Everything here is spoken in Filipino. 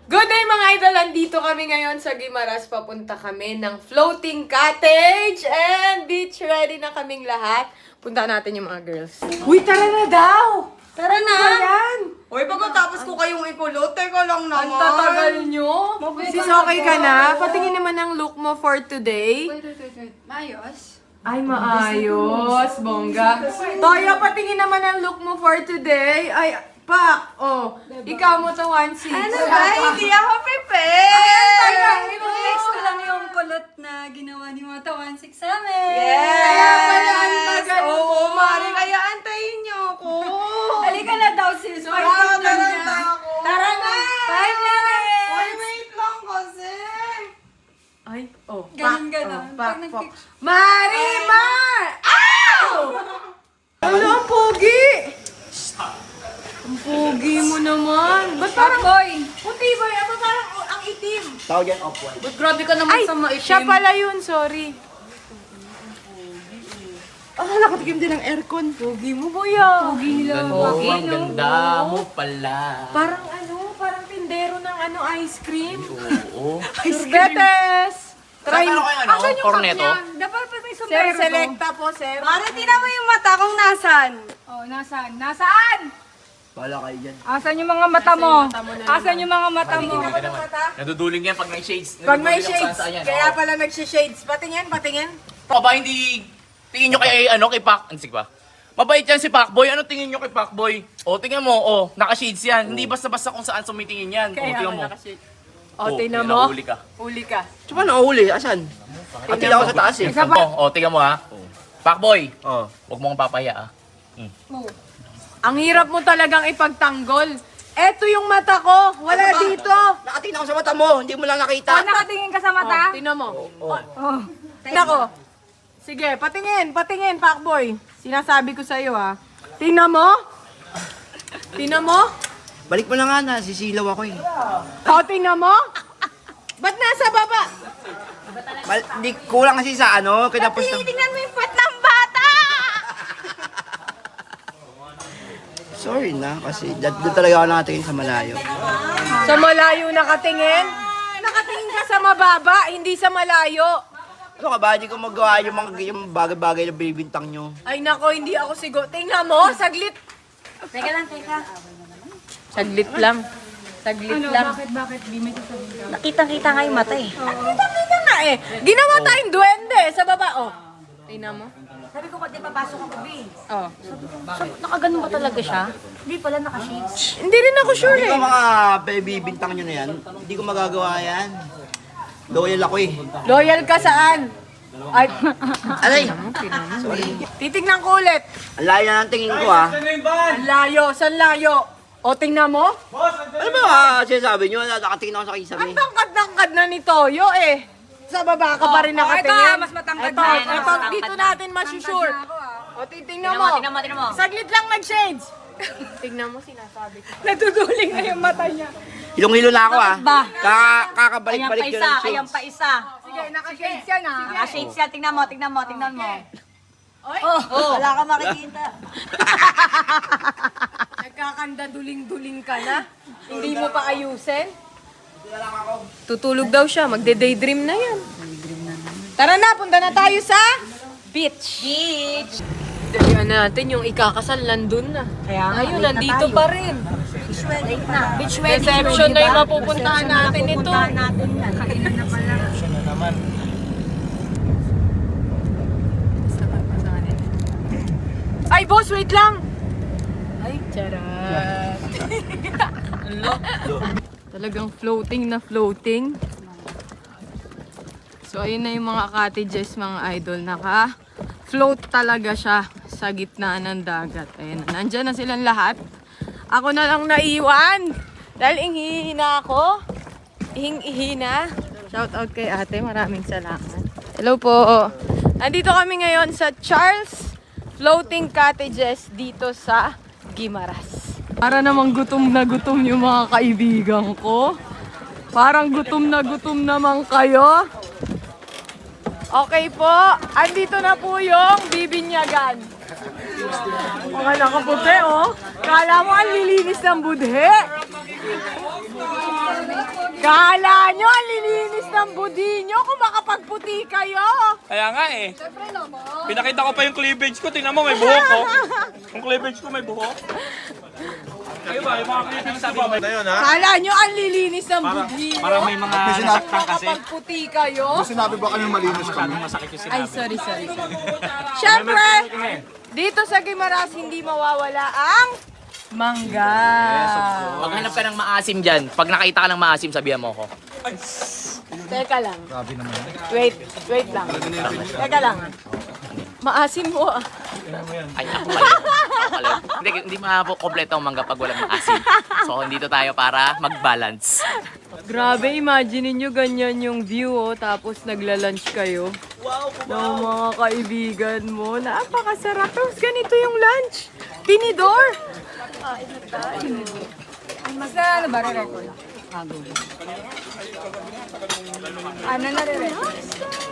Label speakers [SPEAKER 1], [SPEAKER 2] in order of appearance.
[SPEAKER 1] Good day mga idol! Andito kami ngayon sa Guimaras. Papunta kami ng floating cottage and beach ready na kaming lahat. Punta natin yung mga girls. Uy, tara na daw! Tara na! Ayan!
[SPEAKER 2] Uy, pagkatapos ko kayong ikulot, teka lang naman.
[SPEAKER 1] Ang tatagal nyo. Sis, okay ka na? Patingin naman ang look mo for today.
[SPEAKER 3] Wait. Maayos?
[SPEAKER 1] Ay, maayos. Bongga. Toya, patingin naman ang look mo for today. Ay, Pak! Oh, ikaw mo to 1-6.
[SPEAKER 2] Ano ba? Hindi ako prepared!
[SPEAKER 3] I-flex ko lang yung kulot na ginawa ni mga tawan 6 sa amin.
[SPEAKER 2] Yes!
[SPEAKER 1] Kaya pala ang tagal mo.
[SPEAKER 2] Oo, Mari, kaya antayin niyo ako.
[SPEAKER 3] Halika na daw sis.
[SPEAKER 2] Tara
[SPEAKER 3] Fight lang
[SPEAKER 2] na
[SPEAKER 3] niya.
[SPEAKER 2] ako.
[SPEAKER 1] Tara na!
[SPEAKER 3] 5 minutes!
[SPEAKER 2] Uy, wait lang kasi.
[SPEAKER 1] Ay, oh.
[SPEAKER 3] Ganon.
[SPEAKER 1] Pak,
[SPEAKER 3] Pag
[SPEAKER 1] pak. Marimar! Ow! Ano ang pogi? Ang pogi mo naman. Ba't parang
[SPEAKER 3] boy!
[SPEAKER 1] puti ba yan? Ba't parang ang itim?
[SPEAKER 4] Tawag yan off-white.
[SPEAKER 2] Ba't grabe ka naman
[SPEAKER 1] Ay,
[SPEAKER 2] sa maitim?
[SPEAKER 1] siya pala yun. Sorry.
[SPEAKER 2] Nakatikim din ng aircon.
[SPEAKER 1] Pogi mo, buya.
[SPEAKER 3] Pogi nila.
[SPEAKER 4] Oh, ang ganda mo pala.
[SPEAKER 1] Parang parang tindero ng ice cream.
[SPEAKER 4] Oo.
[SPEAKER 1] Sorbetes! Try
[SPEAKER 4] Saan
[SPEAKER 1] mo.
[SPEAKER 4] kayo
[SPEAKER 3] Asan yung
[SPEAKER 4] corneto?
[SPEAKER 3] cup niya? Dapat pa may
[SPEAKER 1] Sir,
[SPEAKER 3] sombrero to.
[SPEAKER 1] selecta po, sir.
[SPEAKER 2] Mari, tingnan mo yung mata kong nasan.
[SPEAKER 3] Oh, nasaan? Nasaan?
[SPEAKER 4] Bala kayo dyan.
[SPEAKER 3] Asan yung mga mata mo?
[SPEAKER 1] mata mo na
[SPEAKER 3] Asan yung mga mata mo?
[SPEAKER 1] Tingnan mo ng mata.
[SPEAKER 4] Naduduling yan pag may shades.
[SPEAKER 1] Pag may
[SPEAKER 4] Naduduling
[SPEAKER 1] shades,
[SPEAKER 4] sa yan,
[SPEAKER 1] kaya
[SPEAKER 4] oo.
[SPEAKER 1] pala nagsishades. Patingin, patingin.
[SPEAKER 4] Ba hindi tingin nyo kay Pac, sige ba? Mabait yan si Pacboy. Ano tingin nyo kay Pacboy? O, tingnan mo, naka-shades yan. Hindi basta-basta kung saan sumitingin yan. O, tingnan mo.
[SPEAKER 1] O, tingnan
[SPEAKER 4] yan,
[SPEAKER 1] mo.
[SPEAKER 4] nahuli ka.
[SPEAKER 1] Uli ka.
[SPEAKER 4] Saan ba nahuli? Asan? Atila ako sa taas eh. O, tingnan mo ha. Pacboy. Huwag mo akong papaya ah.
[SPEAKER 3] Oh.
[SPEAKER 1] Ang hirap mo talagang ipagtanggol. Eto yung mata ko. Wala dito.
[SPEAKER 4] Nakatingin ako sa mata mo. Hindi mo lang nakita.
[SPEAKER 3] Oh, nakatingin ka sa mata?
[SPEAKER 1] Tingnan mo.
[SPEAKER 3] Oh.
[SPEAKER 1] Tingnan ko. Sige, patingin, Pacboy. Sinasabi ko sa'yo ha. Tingnan mo. Tingnan mo.
[SPEAKER 4] Balik mo na nga na. Sisilaw ako eh.
[SPEAKER 1] O, tingnan mo. Ba't nasa baba?
[SPEAKER 4] Di kulang kasi sa kinapos ng...
[SPEAKER 2] Tingnan mo yung pat ng bata!
[SPEAKER 4] Sorry na kasi doon talaga ako nakatingin sa malayo.
[SPEAKER 1] Sa malayo nakatingin? Nakatingin ka sa mababa, hindi sa malayo.
[SPEAKER 4] Ano ka ba? Hindi ko magawa yung bagay-bagay na binibintang nyo.
[SPEAKER 1] Ay nako, hindi ako siguro. Tingnan mo, saglit.
[SPEAKER 3] Teka lang.
[SPEAKER 1] Saglit lang. Saglit lang.
[SPEAKER 3] Bakit? Di may sasabihin ka.
[SPEAKER 2] Nakitang-kita nga yung mata eh.
[SPEAKER 1] Kita na eh. Ginawa tayong duwende sa baba. Oh. Tingnan mo.
[SPEAKER 2] Sabi ko, di papasok ako, B.
[SPEAKER 1] Oh.
[SPEAKER 2] Nakaganon ba talaga siya? Hindi pala naka-shades.
[SPEAKER 1] Hindi rin ako sure
[SPEAKER 4] Hindi
[SPEAKER 1] eh.
[SPEAKER 4] ko mga bibintang nyo na yan. Hindi ko magagawa yan. Loyal ako eh.
[SPEAKER 1] Loyal ka saan? Ay,
[SPEAKER 4] Alay!
[SPEAKER 1] titignan ko ulit.
[SPEAKER 4] Ang layo na ng tingin ko ah.
[SPEAKER 1] Ang layo, saan layo? O, tingnan mo.
[SPEAKER 4] Ano ba sinasabi nyo? Nakatingin ako sa kisabi.
[SPEAKER 1] Ang tangkad-tangkad na ni Toyo eh. Sa baba ka pa rin nakatingin.
[SPEAKER 3] ito, mas matangkad
[SPEAKER 1] Ito,
[SPEAKER 3] na.
[SPEAKER 1] ito, dito natin masusure. O, titingnan mo.
[SPEAKER 2] Tingnan mo.
[SPEAKER 1] Saglit lang nag-shades. Tingnan mo, sinasabi ko.
[SPEAKER 3] Natutuling na yung mata niya.
[SPEAKER 4] Hilong-hilo na ako ah.
[SPEAKER 2] Ba?
[SPEAKER 4] Kakabalik-balik yun ng
[SPEAKER 2] Ayan
[SPEAKER 4] shades.
[SPEAKER 2] pa isa.
[SPEAKER 3] Sige, naka-shades yan ah.
[SPEAKER 2] Naka-shades yan. Tingnan mo.
[SPEAKER 1] Oy,
[SPEAKER 2] Wala ka makikita.
[SPEAKER 1] nagkakanda duling-duling ka na. Hindi mo pa ayusin. Tutulog daw siya, magde-daydream na yan. Tara na, punta na tayo sa beach. Dalihan natin yung ikakasal nandun na.
[SPEAKER 2] Kaya nga,
[SPEAKER 1] Ayun,
[SPEAKER 2] late na
[SPEAKER 1] nandito
[SPEAKER 2] tayo.
[SPEAKER 1] pa rin.
[SPEAKER 2] Late na. Beach wedding.
[SPEAKER 1] Reception na yung mapupuntahan natin ito.
[SPEAKER 2] Pupuntahan natin yan. Kailan na pala.
[SPEAKER 1] Ay, boss, wait lang! Ay, charat. Talagang floating na floating. So, ayun na yung mga cottages, mga idol. Naka-float talaga siya sa gitna ng dagat. Ayun, nandyan na silang lahat. Ako na lang naiwan. Dahil ihihina ako. Ihing-ihina. Shout out kay ate. Maraming salamat. Hello po. Nandito kami ngayon sa Charles Floating Cottages dito sa Guimaras. Para namang gutom na gutom yung mga kaibigan ko. Parang gutom na gutom naman kayo. Okay po, andito na po yung bibinyagan. Mga nakaputi oh. Kala mo ang lilinis ng budhe. Kala nyo, ang lilinis ng budi nyo kung makapagputi kayo.
[SPEAKER 5] Kaya nga eh. Pinakita ko pa yung cleavage ko. Tingnan mo, may buhok ko. Yung cleavage ko may buhok. Kayo ba? Yung mga cleavage ko ba? Na yun, ha?
[SPEAKER 1] Kala nyo, ang lilinis ng budi nyo.
[SPEAKER 5] Parang may mga nasaktan kasi.
[SPEAKER 1] Makapagputi kayo.
[SPEAKER 6] Sinabi ba kami malinis kami?
[SPEAKER 5] Masakit yung
[SPEAKER 1] Ay, sorry. Siyempre, dito sa Guimaras, hindi mawawala ang mangga.
[SPEAKER 4] Maghanap ka ng maasim dyan. Pag nakita ka ng maasim, sabihan mo ako.
[SPEAKER 1] Teka lang. Wait lang. Teka lang. Maasim mo ah.
[SPEAKER 4] Ay, ako pala. Ako pala. Hindi kompleto ang mangga pag walang maasim. So, dito tayo para mag-balance.
[SPEAKER 1] Grabe, imagine niyo ganyan yung view oh, tapos nagla-lunch kayo. Ng mga kaibigan mo. Napakasarap. Tapos ganito yung lunch. Tinidor. Mas na ano ba re-record? Ano na re-record?